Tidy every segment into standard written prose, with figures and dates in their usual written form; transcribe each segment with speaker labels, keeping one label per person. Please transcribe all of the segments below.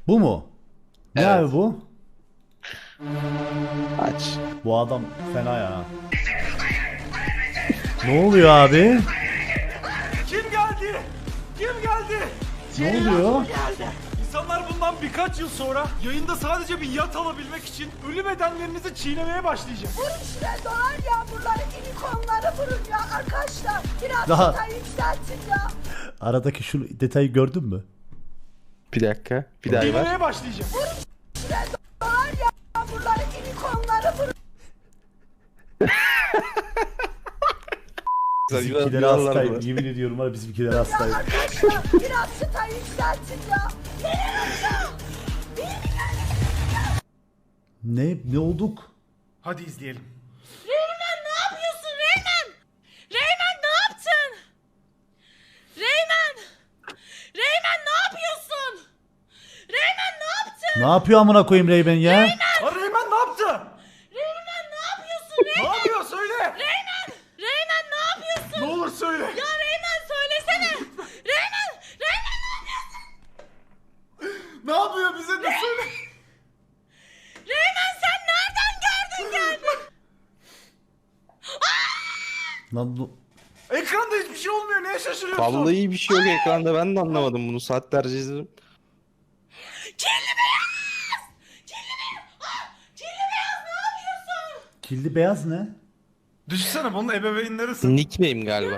Speaker 1: Bu mu? Ne
Speaker 2: Evet.
Speaker 1: abi bu?
Speaker 2: Aç.
Speaker 1: Bu adam fena ya. Ne oluyor abi?
Speaker 3: Kim geldi? Kim geldi?
Speaker 1: Ne oluyor?
Speaker 3: Geldi. İnsanlar bundan birkaç yıl sonra yayında sadece bir yat alabilmek için ölü bedenlerinizi çiğnemeye başlayacak.
Speaker 4: Vurun şuraya dolar yağmurları, unicornları vurun ya arkadaşlar. Biraz
Speaker 1: Daha-
Speaker 4: daha yükseltin ya.
Speaker 1: Aradaki şu detayı gördün mü?
Speaker 2: Bir dakika. Bir daha ver.
Speaker 3: Çiğnemeye başlayacak.
Speaker 4: Şuraya dolar yağmurları, unicornları vurun.
Speaker 1: Bizimkileri hastayım. Yemin ediyorum var bizimkileri hastayım.
Speaker 4: Arkadaşlar biraz çıtayı yükseltin ya.
Speaker 1: Ne olduk?
Speaker 3: Hadi izleyelim.
Speaker 5: Reymen ne yapıyorsun Reymen? Reymen ne yaptın? Reymen! Reymen ne yapıyorsun? Reymen ne yaptın?
Speaker 1: Ne yapıyor amına koyayım Reymen ya?
Speaker 3: Ha, Reymen ne yaptı?
Speaker 5: Reymen ne yapıyorsun
Speaker 3: Ne
Speaker 5: Reymen?
Speaker 3: yapıyor söyle.
Speaker 5: Reymen! Reymen ne yapıyorsun?
Speaker 3: Ne olur söyle.
Speaker 5: Ya Reymen söylesene. Reymen! Reymen ne yapıyorsun?
Speaker 3: Ne yapıyor bize de söyle.
Speaker 5: Reymen sen nereden gördün geldin?
Speaker 1: Lan bu...
Speaker 3: Ekranda hiçbir şey olmuyor. Neye şaşırıyorsun?
Speaker 2: Vallahi bir şey yok ekranda. Ben de anlamadım bunu. Saatlerce izledim.
Speaker 5: Kirli beyaz! Kirli beyaz! Ah! Kirli beyaz ne yapıyorsun?
Speaker 1: Kildi beyaz ne?
Speaker 3: Düşünsene bunun ebeveynleri sırf.
Speaker 2: Nickname galiba.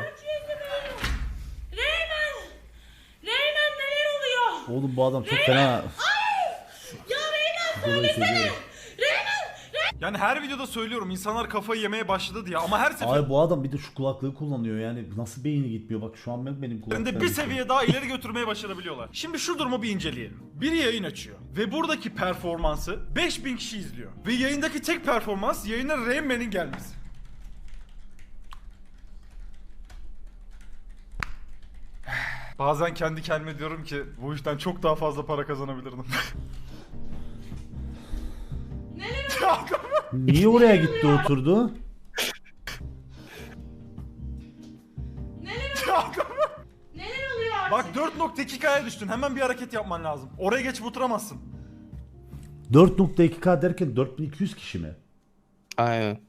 Speaker 5: Reymen! Reymen neler oluyor?
Speaker 1: Oğlum bu adam çok fena.
Speaker 5: Ya Reymen
Speaker 1: Dolayı
Speaker 5: söylesene!
Speaker 1: seviyorum.
Speaker 5: Reymen!
Speaker 3: Yani her videoda söylüyorum insanlar kafayı yemeye başladı diye ama her seferinde
Speaker 1: Ay bu adam bir de şu kulaklığı kullanıyor yani nasıl beyni gitmiyor bak şu an benim kulaklarım.
Speaker 3: bir seviye daha ileri götürmeye başarabiliyorlar. Şimdi şu durumu bir inceleyelim. Biri yayın açıyor ve buradaki performansı 5000 kişi izliyor. Ve yayındaki tek performans yayına Rayman'in gelmesi. Bazen kendi kendime diyorum ki bu işten çok daha fazla para kazanabilirdim.
Speaker 1: Niye oraya gitti oturdu?
Speaker 5: Neler oluyor artık?
Speaker 3: Bak 4.2K'ya düştün. Hemen bir hareket yapman lazım. Oraya geçip oturamazsın.
Speaker 1: 4.2K derken 4200 kişi mi?
Speaker 2: Aynen.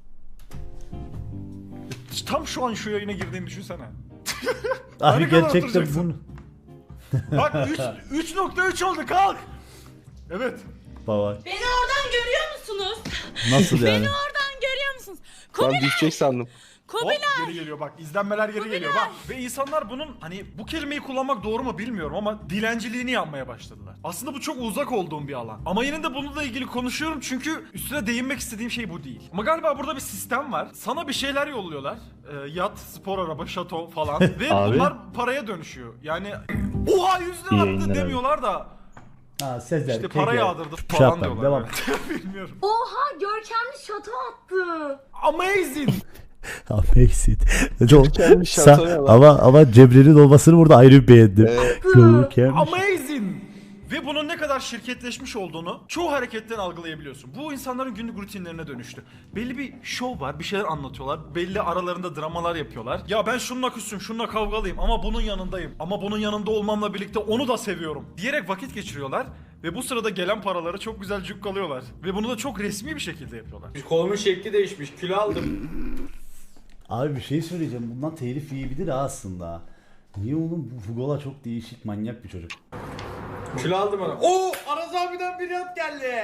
Speaker 3: Tam şu an şu yayına girdiğini düşünsene.
Speaker 1: Abi
Speaker 3: Ne kadar
Speaker 1: gerçekten
Speaker 3: oturacaksın?
Speaker 1: bunu.
Speaker 3: Bak 3.3 oldu kalk. Evet.
Speaker 1: Baba
Speaker 5: Beni oradan görüyor musunuz?
Speaker 1: nasıl yani?
Speaker 5: Beni oradan görüyor musunuz?
Speaker 2: Ben
Speaker 5: Kubilay!
Speaker 2: düşecek sandım.
Speaker 3: Hop
Speaker 5: Kubilay!
Speaker 3: geri geliyor bak izlenmeler geri geliyor bak. Ve insanlar bunun hani bu kelimeyi kullanmak doğru mu bilmiyorum ama dilenciliğini yapmaya başladılar. Aslında bu çok uzak olduğum bir alan. Ama yine de bununla ilgili konuşuyorum çünkü üstüne değinmek istediğim şey bu değil. Ama galiba burada bir sistem var. Sana bir şeyler yolluyorlar. Yat, spor araba, şato falan. Ve
Speaker 2: Abi.
Speaker 3: bunlar paraya dönüşüyor. Yani oha 100 lira
Speaker 2: İyi
Speaker 3: attı
Speaker 2: yayınlar abi.
Speaker 3: demiyorlar da
Speaker 1: Ha Sezer,
Speaker 3: işte para
Speaker 1: Kege.
Speaker 3: yağdırdı
Speaker 1: Şey
Speaker 3: falan
Speaker 1: yapalım,
Speaker 3: diyorlar.
Speaker 1: devam.
Speaker 3: Evet. Bilmiyorum.
Speaker 4: Oha görkemli şato attı.
Speaker 3: Amazing.
Speaker 1: Amazing.
Speaker 2: Görkemli şatoya bak.
Speaker 1: ama Cemre'nin olmasını burada ayrı bir beğendim. Görkemli.
Speaker 3: Amazing. Ve bunun ne kadar şirketleşmiş olduğunu çoğu hareketten algılayabiliyorsun. Bu insanların günlük rutinlerine dönüştü. Belli bir şov var, bir şeyler anlatıyorlar. Belli aralarında dramalar yapıyorlar. Ya ben şununla küsüm, şununla kavgalıyım ama bunun yanındayım. Ama bunun yanında olmamla birlikte onu da seviyorum. Diyerek vakit geçiriyorlar. Ve bu sırada gelen paraları çok güzel cukkalıyorlar. Ve bunu da çok resmi bir şekilde yapıyorlar.
Speaker 6: Kolumun şekli değişmiş. Kilo aldım.
Speaker 1: Abi bir şey söyleyeceğim. Bundan telif yiyebilir ha aslında. Niye oğlum bu Fugola çok değişik manyak bir çocuk.
Speaker 6: Kilo aldım ona. Oo! Aras abiden bir yat geldi.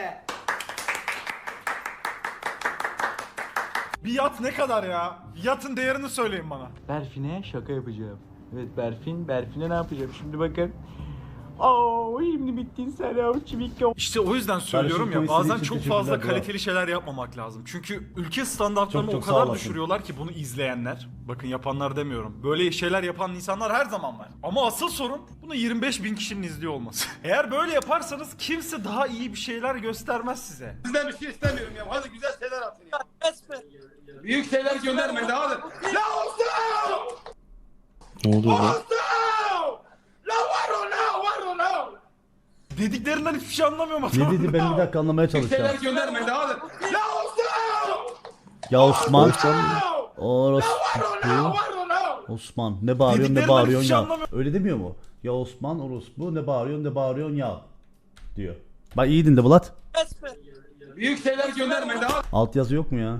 Speaker 3: Bir yat ne kadar ya? Yatın değerini söyleyin bana.
Speaker 7: Berfin'e şaka yapacağım. Evet Berfin'e ne yapacağım şimdi bakın. Oo şimdi bittin sen ya çivik.
Speaker 3: İşte o yüzden söylüyorum ya
Speaker 1: Kardeşim,
Speaker 3: bazen
Speaker 1: için
Speaker 3: çok
Speaker 1: teşekkürler,
Speaker 3: fazla
Speaker 1: bravo.
Speaker 3: kaliteli şeyler yapmamak lazım. Çünkü ülke standartlarını
Speaker 1: Çok
Speaker 3: o
Speaker 1: sağ
Speaker 3: kadar
Speaker 1: olasın.
Speaker 3: düşürüyorlar ki bunu izleyenler. Bakın yapanlar demiyorum. Böyle şeyler yapan insanlar her zaman var. Ama asıl sorun bunu 25 bin kişinin izliyor olması. Eğer böyle yaparsanız kimse daha iyi bir şeyler göstermez size.
Speaker 6: Sizden bir şey istemiyorum ya. Hadi güzel şeyler atın ya. Büyük şeyler göndermeyin de hadi. La olsun!
Speaker 2: Ne oluyor lan?
Speaker 6: Olsun! La var o la var o la!
Speaker 3: Dediklerinden hiçbir şey anlamıyorum
Speaker 1: Ne
Speaker 3: adam.
Speaker 1: dedi ben bir dakika anlamaya
Speaker 6: Büyük şeyler
Speaker 1: çalışacağım.
Speaker 6: göndermeyin de hadi. La olsun!
Speaker 1: Ya Osman.
Speaker 6: La
Speaker 1: Orospu.
Speaker 6: var o la!
Speaker 1: Osman ne bağırıyorsun ne
Speaker 3: Dediklerinden
Speaker 1: bağırıyorsun
Speaker 3: hiçbir şey
Speaker 1: ya.
Speaker 3: anlamıyorum.
Speaker 1: Öyle demiyor mu? Ya Osman orospu ne bağırıyorsun ya. diyor. Bak iyi dinle Vlad.
Speaker 6: Büyük şeyler gönderme daha.
Speaker 1: Altyazı yok mu ya?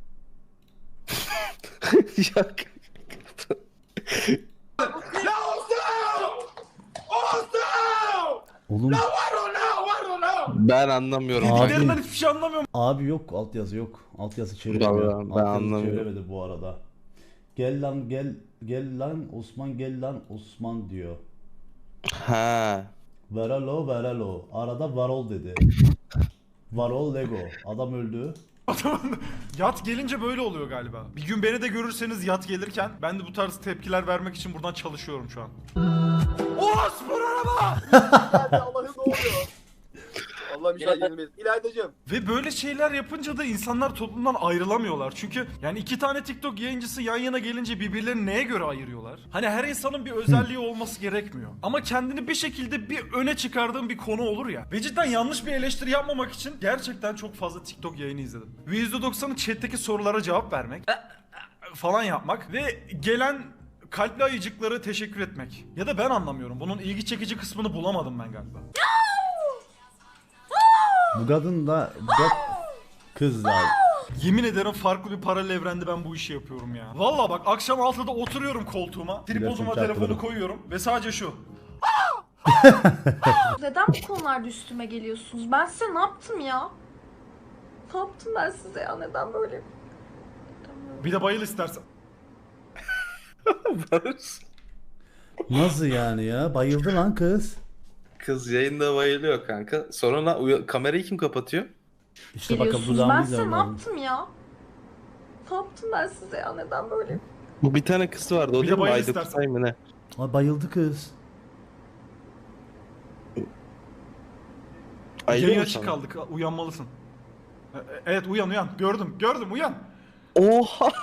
Speaker 2: Yok.
Speaker 6: La olsun! Olsun!
Speaker 1: Oğlum
Speaker 6: Var o la!
Speaker 2: Ben anlamıyorum.
Speaker 1: Abi.
Speaker 3: Dediklerinden hiçbir şey anlamıyorum.
Speaker 1: abi yok, altyazı yok. Altyazı çeviremiyor.
Speaker 2: Vallahi ben
Speaker 1: Altyazı
Speaker 2: anlamıyorum.
Speaker 1: çeviremedi bu arada. Gel lan gel lan Osman, gel lan Osman diyor.
Speaker 2: Ha.
Speaker 1: Veralo. Arada varol dedi. Varol Lego. Adam öldü.
Speaker 3: Yat gelince böyle oluyor galiba. Bir gün beni de görürseniz yat gelirken ben de bu tarz tepkiler vermek için buradan çalışıyorum şu an. O spor araba!
Speaker 6: Allah'ım ne oluyor? Allah'ım inşallah yenilmeyiz. İlaydacığım.
Speaker 3: Ve böyle şeyler yapınca da insanlar toplumdan ayrılamıyorlar. Çünkü yani iki tane TikTok yayıncısı yan yana gelince birbirlerini neye göre ayırıyorlar? Hani her insanın bir özelliği olması gerekmiyor. Ama kendini bir şekilde bir öne çıkardığın bir konu olur ya. Ve cidden yanlış bir eleştiri yapmamak için gerçekten çok fazla TikTok yayını izledim. Ve %90'ı chat'teki sorulara cevap vermek falan yapmak ve gelen kalpli ayıcıklara teşekkür etmek. Ya da ben anlamıyorum. Bunun ilgi çekici kısmını bulamadım ben galiba.
Speaker 1: Bu kadın da kız da.
Speaker 3: Yemin ederim farklı bir paralel evrende ben bu işi yapıyorum ya. Vallahi bak akşam 6'da oturuyorum koltuğuma. Tripoduma
Speaker 1: Gerçekten
Speaker 3: telefonu
Speaker 1: çarptırdım.
Speaker 3: koyuyorum ve sadece şu.
Speaker 8: Neden bu konularda üstüme geliyorsunuz? Ben size ne yaptım ya? Ne yaptım ben size ya? Neden böyle?
Speaker 3: Bir de bayıl istersen.
Speaker 1: Nasıl yani ya? Bayıldı lan kız.
Speaker 2: Kız yayında bayılıyor kanka. Sonra kamerayı kim kapatıyor?
Speaker 1: İşte bakalım
Speaker 8: Geliyorsunuz.
Speaker 1: dudağımı
Speaker 8: Ben size
Speaker 1: izlemem
Speaker 8: ne
Speaker 1: lazım.
Speaker 8: yaptım ya? Ne yaptım ben size ya? Neden böyle?
Speaker 2: Bu bir tane kız vardı. O
Speaker 3: Bir de
Speaker 2: değil mi?
Speaker 3: bayıl
Speaker 2: Ayda
Speaker 3: istersen.
Speaker 2: Kutay mı ne?
Speaker 1: Ay bayıldı kız.
Speaker 2: Ayda
Speaker 3: Yayın
Speaker 2: mı
Speaker 3: açık
Speaker 2: sana?
Speaker 3: kaldık. Uyanmalısın. Evet uyan. Gördüm uyan.
Speaker 2: Oha!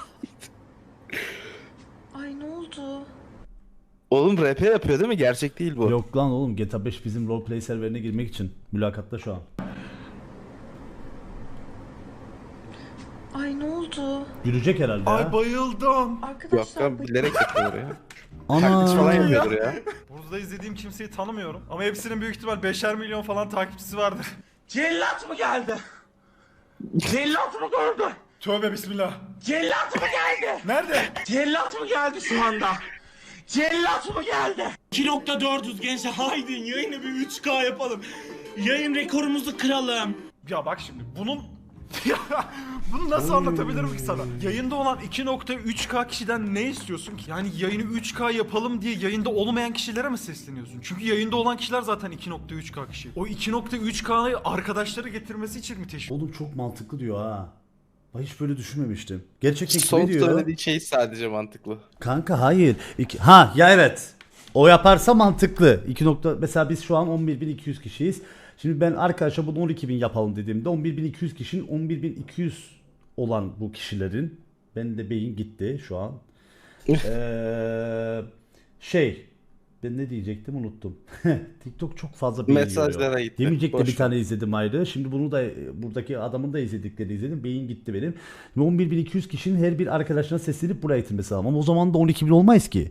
Speaker 8: Ay ne oldu?
Speaker 2: Oğlum RP yapıyor değil mi? Gerçek değil bu.
Speaker 1: Yok lan oğlum, GTA 5 bizim roleplay serverine girmek için mülakatta şu an.
Speaker 8: Ay ne oldu?
Speaker 1: Gülecek herhalde
Speaker 3: Ay
Speaker 1: ya.
Speaker 3: bayıldım.
Speaker 2: Yok
Speaker 8: Arkadaşlar
Speaker 2: lan bilerek yapıyordur ya. Taklit falan
Speaker 1: Ana.
Speaker 2: yapıyordur ya.
Speaker 3: Burada izlediğim kimseyi tanımıyorum. Ama hepsinin büyük ihtimal 5'er milyon falan takipçisi vardır.
Speaker 6: Cellat mı geldi? Cellat mı gördü?
Speaker 3: Tövbe bismillah.
Speaker 6: Cellat mı geldi?
Speaker 3: Nerede?
Speaker 6: Cellat mı geldi şu anda? Cellat mı geldi?
Speaker 9: 2.400 gençler haydi yayını bir 3K yapalım. Yayın rekorumuzu kıralım.
Speaker 3: Ya bak şimdi bunun bunu nasıl anlatabilirim ki sana? Yayında olan 2.3K kişiden ne istiyorsun ki? Yani yayını 3K yapalım diye yayında olmayan kişilere mi sesleniyorsun? Çünkü yayında olan kişiler zaten 2.3K kişi. O 2.3K'yı arkadaşları getirmesi için mi teşvik?
Speaker 1: Oğlum çok mantıklı diyor ha. Ben hiç böyle düşünmemiştim. Gerçekten
Speaker 2: Son
Speaker 1: kime diyor?
Speaker 2: söylediği şey sadece mantıklı.
Speaker 1: Kanka hayır. Ha ya evet. O yaparsa mantıklı. 2 nokta, mesela biz şu an 11.200 kişiyiz. Şimdi ben arkadaşa bunu 12.000 yapalım dediğimde 11.200 kişinin 11.200 olan bu kişilerin, ben de beyin gitti şu an. Ben ne diyecektim unuttum. TikTok çok fazla beyin
Speaker 2: Mesajlara
Speaker 1: yiyor.
Speaker 2: gitti.
Speaker 1: Demeyecek de
Speaker 2: Boş
Speaker 1: bir
Speaker 2: ver.
Speaker 1: tane izledim ayrı. Şimdi bunu da buradaki adamın da izlediklerini izledim. Beyin gitti benim. 11.200 kişinin her bir arkadaşına seslenip buraya itilmesi lazım. Ama o zaman da 12.000 olmayız ki.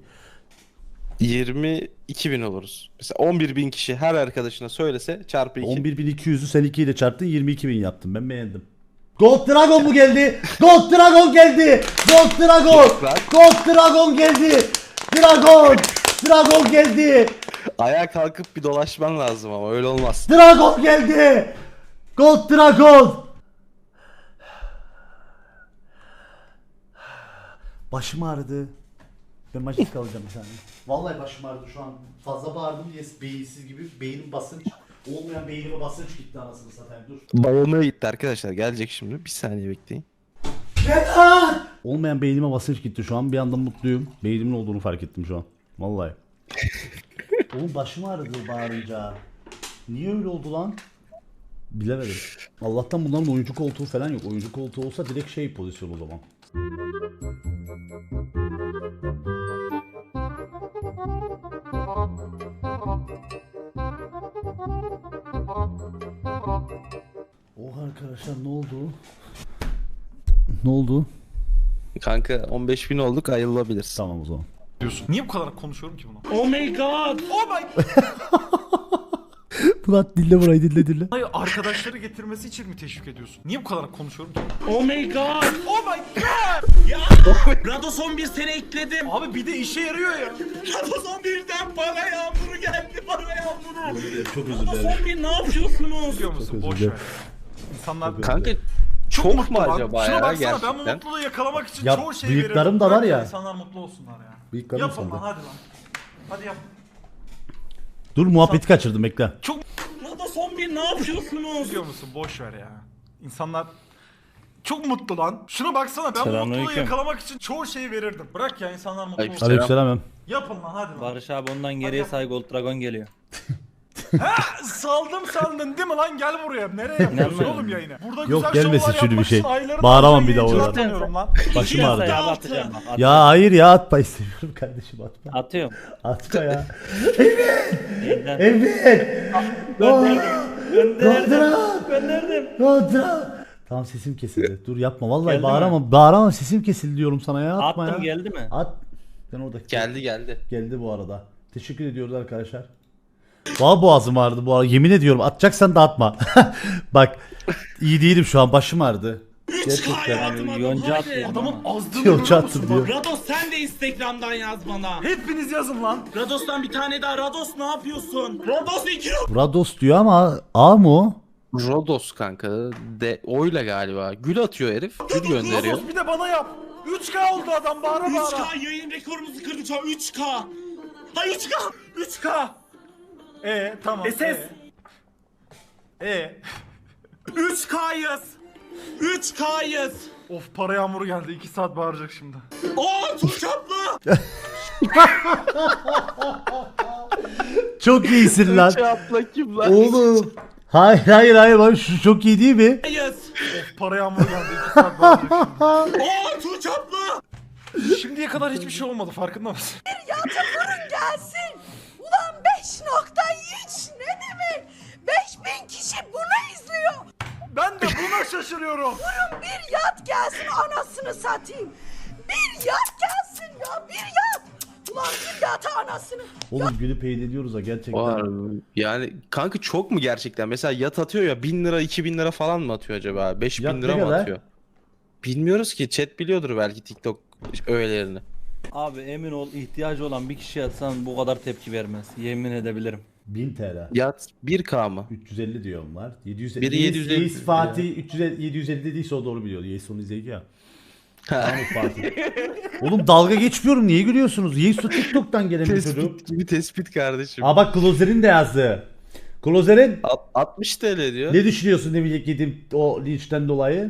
Speaker 2: 22.000 oluruz. Mesela 11.000 kişi her arkadaşına söylese çarpı 2.
Speaker 1: 11.200'ü sen 2 ile çarptın, 22.000 yaptım. Ben beğendim. Gold Dragon mu geldi? Gold Dragon geldi. Gold Dragon. Gold Dragon geldi. Dragon geldi.
Speaker 2: Ayağa kalkıp bir dolaşman lazım ama öyle olmaz.
Speaker 1: Dragon geldi. Gold Dragon. Başım ağrıdı. Ben maçta kalacağım bir saniye. Vallahi başım ağrıdı şu an. Fazla bağırdım diye beyinsiz gibi, beynim basınç. Olmayan beynime basınç gitti anasını satayım, dur.
Speaker 2: Bayılmaya gitti arkadaşlar. Gelecek şimdi. Bir saniye bekleyin.
Speaker 1: Olmayan beynime basınç gitti şu an. Bir anda mutluyum. Beynimin olduğunu fark ettim şu an. Vallahi. Oğlum başım ağrıdı bağırınca. Niye öyle oldu lan? Bilemedim. Allah'tan bunların oyuncu koltuğu falan yok. Oyuncu koltuğu olsa direkt şey pozisyon o zaman. Oha arkadaşlar, ne oldu? Ne oldu?
Speaker 2: Kanka 15.000 olduk, ayrılabiliriz.
Speaker 1: Tamam o zaman.
Speaker 3: Diyorsun. Niye bu kadar konuşuyorum ki bunu?
Speaker 9: Oh my god.
Speaker 3: Oh my...
Speaker 1: Murat dinle burayı dinle.
Speaker 3: Hayır, arkadaşları getirmesi için mi teşvik ediyorsun? Niye bu kadar konuşuyorum ki?
Speaker 9: Oh my god.
Speaker 3: Oh my god!
Speaker 9: Ya Rados 11 sene ekledim.
Speaker 3: Abi bir de işe yarıyor ya.
Speaker 9: Rados 11'den para yağmuru geldi, para yağmuru.
Speaker 1: Çok özür
Speaker 9: Rados
Speaker 1: dilerim.
Speaker 9: 11 ne yapıyorsunuz?
Speaker 3: Biliyor musun?
Speaker 1: özür
Speaker 3: Boş
Speaker 1: dilerim.
Speaker 3: ver. İnsanlar
Speaker 2: Kanka çok mu
Speaker 3: mutlu lan.
Speaker 2: acaba
Speaker 3: Şuna
Speaker 2: ya
Speaker 3: baksana, ben bu
Speaker 2: gerçekten?
Speaker 3: mutluluğu yakalamak için
Speaker 1: Ya,
Speaker 3: çoğu şeyi
Speaker 1: bıyıklarım
Speaker 3: veririm.
Speaker 1: da var
Speaker 3: Bırak
Speaker 1: ya.
Speaker 3: İnsanlar mutlu olsunlar ya.
Speaker 1: Bıyıklarım
Speaker 3: Yapın
Speaker 1: sandı.
Speaker 3: lan, hadi lan. Hadi yap.
Speaker 1: Dur muhabbeti kaçırdım bekle.
Speaker 9: Rados 11 ne yapıyorsunuz?
Speaker 3: Biliyor musun? Boş ver ya. İnsanlar çok mutlu lan. Şuna baksana, ben bu mutluluğu yakalamak için çoğu şeyi verirdim. Bırak ya, insanlar mutlu olsun.
Speaker 1: Aleykümselam.
Speaker 3: Yapın lan, hadi lan.
Speaker 10: Barış abi ondan geriye say Gold Dragon geliyor.
Speaker 3: Saldım sandın değil mi lan, gel buraya. Nereye yapıyorsun
Speaker 10: İnanmıyorum.
Speaker 3: oğlum yayını? Burada
Speaker 1: Yok,
Speaker 3: güzel
Speaker 1: gelmesin
Speaker 3: şovlar
Speaker 1: şimdi bir
Speaker 3: yapmak
Speaker 1: şey.
Speaker 3: için aylarını
Speaker 1: Bağıramam
Speaker 3: harcayan
Speaker 1: bir daha
Speaker 3: yayıncılar
Speaker 1: orada.
Speaker 3: tanıyorum lan.
Speaker 1: Başım
Speaker 10: Say
Speaker 1: ağrıdı.
Speaker 10: abi atacağım bak. Atıyorum.
Speaker 1: Ya hayır ya atma istemiyorum kardeşim atma.
Speaker 10: Atıyorum.
Speaker 1: Atma ya.
Speaker 10: Yeniden.
Speaker 1: Evet.
Speaker 10: Gönderdim.
Speaker 1: Tamam sesim kesildi. Dur yapma vallahi
Speaker 10: Geldi
Speaker 1: bağıramam. Bağıramam sesim kesildi diyorum sana ya. Atma
Speaker 10: Attım
Speaker 1: ya.
Speaker 10: geldi mi?
Speaker 1: At. Ben orada
Speaker 2: Geldi.
Speaker 1: geldi bu arada. Teşekkür ediyoruz arkadaşlar. Valla boğazım ağrıdı bu arada. Yemin ediyorum atacaksan da atma. Bak iyi değilim şu an, başım ağrıdı.
Speaker 9: 3K yazdım
Speaker 10: Abi, yonca
Speaker 9: adam.
Speaker 10: atıyor.
Speaker 3: Adamın azdığını
Speaker 1: Yok,
Speaker 3: görüyor
Speaker 1: çattım
Speaker 3: musun?
Speaker 1: diyor.
Speaker 3: Bak,
Speaker 9: Rados sen de Instagram'dan yaz bana.
Speaker 3: hepiniz yazın lan.
Speaker 9: Rados'tan bir tane daha. Rados ne yapıyorsun? Rados 2
Speaker 1: Rados diyor ama A mı o?
Speaker 2: Rodos kanka. Oyla galiba. Gül atıyor herif. Gül gönderiyor.
Speaker 3: Rodos bir de bana yap. 3K oldu adam, bağıra bağıra.
Speaker 9: 3K yayın rekorumuzu kırdı şu an 3K. Ha 3K. 3K.
Speaker 3: Tamam.
Speaker 9: SS. 3K'yız. 3K'yız.
Speaker 3: Of, para yağmuru geldi. 2 saat bağıracak şimdi.
Speaker 9: Oo çok çaplı.
Speaker 1: Çok iyisin lan.
Speaker 2: Atla kim lan?
Speaker 1: Oğlum. Hayır bak şu çok iyi değil mi?
Speaker 3: Of, para yağmuru geldi. 2 saat bağıracak şimdi.
Speaker 9: Oo çok çaplı.
Speaker 3: Şimdiye kadar hiçbir şey olmadı, farkında mısın?
Speaker 4: Yata vurun gelsin. Ulan 5.3 ne demek? 5000 kişi bunu izliyor.
Speaker 3: Ben de buna şaşırıyorum.
Speaker 4: Vurun bir yat gelsin, anasını satayım. Bir yat gelsin ya, bir yat. Ulan bir yata anasını.
Speaker 1: Oğlum gülüp eğleniyoruz ha gerçekten.
Speaker 2: Var. Yani kanka çok mu gerçekten? Mesela yat atıyor ya 1000 lira 2000 lira falan mı atıyor acaba? 5000
Speaker 1: Yat
Speaker 2: lira
Speaker 1: ne
Speaker 2: mı
Speaker 1: kadar?
Speaker 2: atıyor? Bilmiyoruz ki, chat biliyordur belki TikTok öğelerini.
Speaker 10: Abi emin ol, ihtiyacı olan bir kişi atsan bu kadar tepki vermez. Yemin edebilirim.
Speaker 1: 1000 TL.
Speaker 2: Yat 1K mı?
Speaker 1: 350 diyorum var. 750.
Speaker 2: Biri 750
Speaker 1: Yeis Fatih 350 750 dediyse o doğru biliyor. Yeis onu izleyecek ya. Tamam Fatih. Oğlum dalga geçmiyorum. Niye gülüyorsunuz? Yeis o TikTok'tan gelen bir çocuk.
Speaker 2: Tespit gibi tespit kardeşim.
Speaker 1: Aa bak Closer'in de yazdı. Closer'in
Speaker 2: 60 TL diyor.
Speaker 1: ne düşünüyorsun demeyecek yedim o linçten dolayı?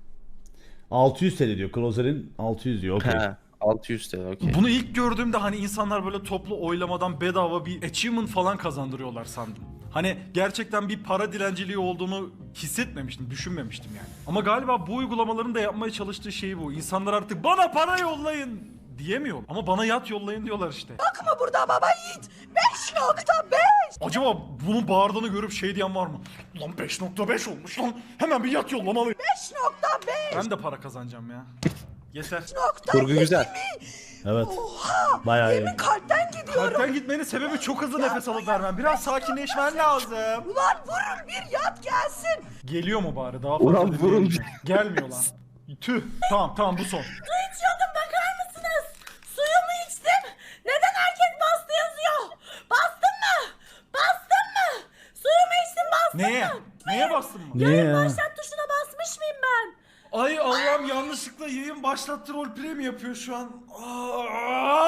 Speaker 1: 600 TL diyor. Closer'in 600 diyor. Okey.
Speaker 2: He, 600 TL okey.
Speaker 3: Bunu ilk gördüğümde hani insanlar böyle toplu oylamadan bedava bir achievement falan kazandırıyorlar sandım. Hani gerçekten bir para dilenciliği olduğunu hissetmemiştim, düşünmemiştim yani. Ama galiba bu uygulamaların da yapmaya çalıştığı şey bu. İnsanlar artık bana para yollayın diyemiyor. Ama bana yat yollayın diyorlar işte.
Speaker 4: Bakma burada baba yiğit. 5.5.
Speaker 3: Acaba bunun bağırdığını görüp şey diyen var mı? Ulan 5.5 olmuş lan. Hemen bir yat yollamalıyım.
Speaker 4: 5.5.
Speaker 3: Ben de para kazanacağım ya. Yeter.
Speaker 2: Kurgu güzel.
Speaker 1: Evet.
Speaker 4: Oha.
Speaker 1: Bayağı iyi.
Speaker 4: Yemin kalpten gidiyorum.
Speaker 3: Kalpten gitmenin sebebi çok hızlı nefes alıp vermem. Biraz sakinleşmen lazım.
Speaker 4: Ulan vurun bir yat gelsin.
Speaker 3: Geliyor mu bari daha fazla
Speaker 2: Ulan
Speaker 3: dinleyelim
Speaker 2: vurun.
Speaker 3: mi? Gelmiyor lan. Tüh. Tamam bu son.
Speaker 5: Su içiyordum, bakar mısınız? Suyumu içtim. Neden herkes bastı yazıyor? Bastın mı? Bastın mı? Suyumu içtim, bastın
Speaker 3: Neye?
Speaker 5: mı?
Speaker 3: Neye bastın mı?
Speaker 1: Niye ya?
Speaker 5: Başlat tuşuna basmış mıyım ben?
Speaker 3: Ay Allah'ım, yanlışlıkla yayın başlattı, roleplay mi yapıyor şu an? Aa!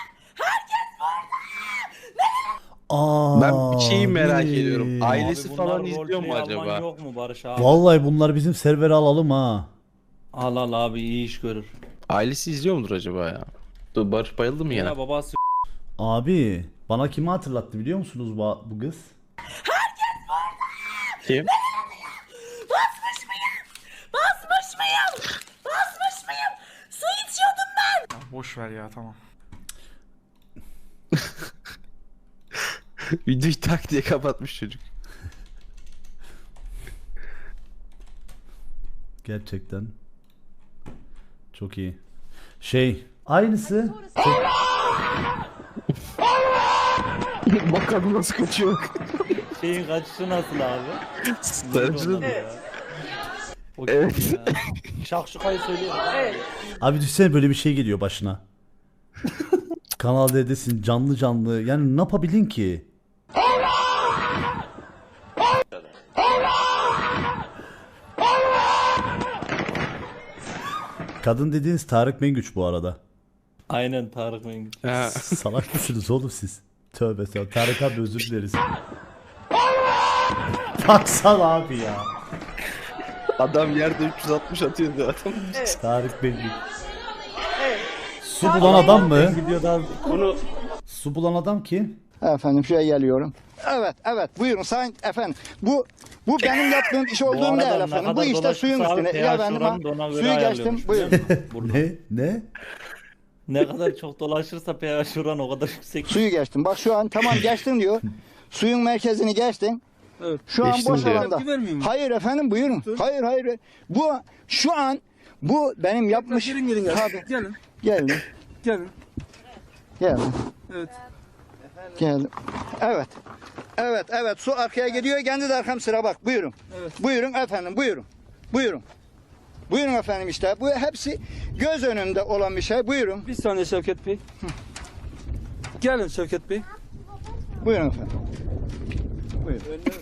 Speaker 1: Aa,
Speaker 2: Ben bir şeyi merak
Speaker 1: abi.
Speaker 2: ediyorum. Ailesi
Speaker 10: Abi
Speaker 2: falan
Speaker 10: bunlar
Speaker 2: izliyor mu
Speaker 10: roleplay alman
Speaker 2: acaba?
Speaker 10: yok mu Barış abi?
Speaker 1: Vallahi bunlar bizim servere alalım ha.
Speaker 10: Al abi, iyi iş görür.
Speaker 2: Ailesi izliyor mudur acaba ya? Dur Barış bayıldı mı yine?
Speaker 10: Ya babası
Speaker 1: Abi bana kimi hatırlattı biliyor musunuz bu kız?
Speaker 2: Kim?
Speaker 5: Basmış mıyım? Basmış mıyım? Basmış mıyım? Su içiyordum ben.
Speaker 3: Ya boş ver ya, tamam.
Speaker 2: Videoyu tak diye kapatmış çocuk.
Speaker 1: Gerçekten. Çok iyi. Aynısı.
Speaker 2: Bakalım nasıl kaçıyor.
Speaker 10: Şeyin kaçışı nasıl abi?
Speaker 2: Sarıcının
Speaker 10: Evet. Şakşukayı söylüyorum.
Speaker 5: Evet.
Speaker 1: Abi düşünsene böyle bir şey geliyor başına. Kanal D'desin canlı canlı. Yani ne yapabilin ki? Kadın dediğiniz Tarık Mengüç bu arada.
Speaker 10: Aynen Tarık Mengüç.
Speaker 2: Ha.
Speaker 1: Salak mısınız oğlum siz? Tövbe tövbe. Tarık abi özür dileriz. Baksana abi ya.
Speaker 2: Adam yerde 360 atıyor zaten.
Speaker 1: Tarık Mengüç.
Speaker 5: Evet.
Speaker 1: Su bulan adam mı?
Speaker 10: Videodan
Speaker 1: Su bulan adam kim?
Speaker 11: Efendim şuraya geliyorum. Evet, evet. Buyurun sayın efendim. Bu benim yaptığım iş
Speaker 10: Bu
Speaker 11: olduğum
Speaker 10: arada
Speaker 11: değil
Speaker 10: ne
Speaker 11: efendim. Bu
Speaker 10: kadar
Speaker 11: işte suyun
Speaker 10: dolaşırsa abi
Speaker 11: üstüne. Ya
Speaker 10: pH
Speaker 11: efendim ha.
Speaker 10: oranı da ona göre
Speaker 11: Suyu geçtim.
Speaker 10: ayarlıyormuş,
Speaker 11: Buyurun.
Speaker 10: biliyor musun? Burada.
Speaker 1: Ne?
Speaker 10: Ne kadar çok dolaşırsa pH oranı o kadar yüksek.
Speaker 11: Suyu geçtim. Bak şu an tamam geçtin diyor. Suyun merkezini geçtin.
Speaker 6: Evet.
Speaker 11: Şu an
Speaker 2: Geçtim
Speaker 11: boş
Speaker 2: diyor.
Speaker 11: alanda.
Speaker 6: Vermiyor mu?
Speaker 11: Hayır efendim buyurun. Hayır hayır. Bu şu an bu benim yapmış.
Speaker 6: Gelin
Speaker 11: Tabii.
Speaker 6: Gelin.
Speaker 11: Geldim.
Speaker 6: Gelin.
Speaker 11: Geldim.
Speaker 6: Evet.
Speaker 11: Geldim. Evet. Evet, evet. Su arkaya gidiyor. Kendi de arkam sıra bak. Buyurun.
Speaker 6: Evet.
Speaker 11: Buyurun efendim. Buyurun. Buyurun. Buyurun efendim işte. Bu hepsi göz önünde olan bir şey. Buyurun.
Speaker 6: Bir saniye Şevket Bey. Gelin Şevket Bey.
Speaker 11: Buyurun efendim. Buyurun.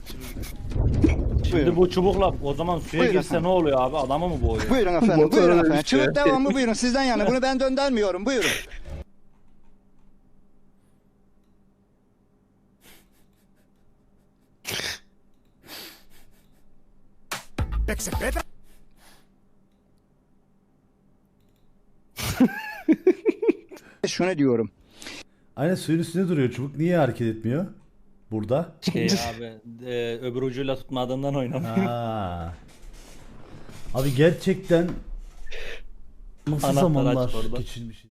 Speaker 10: Şimdi bu çubukla o zaman suya
Speaker 11: Buyurun
Speaker 10: girse
Speaker 11: efendim.
Speaker 10: ne oluyor abi? Adamı mı boğuyor?
Speaker 11: Buyurun efendim.
Speaker 2: Motora
Speaker 11: Buyurun efendim.
Speaker 2: dönüştü.
Speaker 11: Çubuk devamı buyurun. Sizden yana. Bunu ben döndürmüyorum. Buyurun. Şunu diyorum.
Speaker 1: Aynen suyun üstünde duruyor çubuk. Niye hareket etmiyor? Burada.
Speaker 10: Şey abi öbür ucuyla tutmadığından oynamıyor.
Speaker 1: Ha. Abi gerçekten nasıl
Speaker 10: Anahtar
Speaker 1: zamanlar
Speaker 10: aç orada.
Speaker 1: geçirmiş.